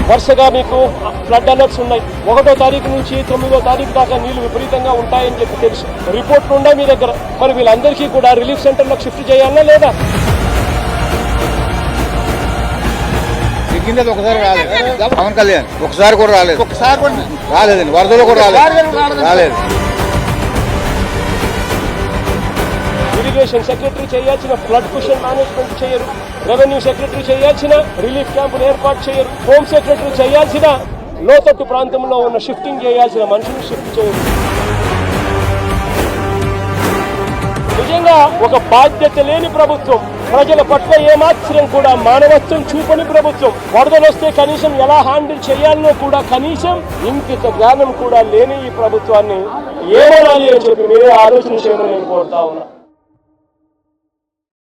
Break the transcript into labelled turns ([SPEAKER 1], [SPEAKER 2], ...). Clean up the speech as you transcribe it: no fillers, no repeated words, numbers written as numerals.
[SPEAKER 1] వరుసగా మీకు flood alerts ఉన్నాయి. 1వ తారీఖు నుంచి 9వ తారీఖు దాకా నీళ్లు విపరీతంగా ఉంటాయని చెప్పి తెలుసు. రిపోర్ట్లు ఉన్నాయి మీ దగ్గర. మరి వీళ్ళందరికీ కూడా రిలీఫ్ సెంటర్లకు షిఫ్ట్ చేయాలా లేదా?
[SPEAKER 2] ఒకసారి రాలేదు పవన్ కళ్యాణ్, ఒకసారి కూడా రాలేదు, రాలేదండి. వరదలో కూడా రాలేదు.
[SPEAKER 1] ఇరిగేషన్ సెక్రటరీ చేయాల్సిన ఫ్లడ్ క్వశ్చన్ మేనేజ్మెంట్ చేయరు. రెవెన్యూ సెక్రటరీ చేయాల్సిన రిలీఫ్ క్యాంపులు ఏర్పాటు చేయరు. హోమ్ సెక్రటరీ చేయాల్సిన లోతట్టు ప్రాంతంలో ఉన్న షిఫ్టింగ్ చేయాల్సిన మనుషులు షిఫ్ట్ చేయరు. నిజంగా ఒక బాధ్యత లేని ప్రభుత్వం, ప్రజల పట్ల ఏమాత్రం కూడా మానవత్వం చూపని ప్రభుత్వం. వరదలు వస్తే కనీసం ఎలా హ్యాండిల్ చేయాలనో కూడా కనీసం ఇంకిత జ్ఞానం కూడా లేని ఈ ప్రభుత్వాన్ని ఏమనాలి అని చెప్పి మీరే ఆలోచన చేయమని నేను కోరుతా ఉన్నా.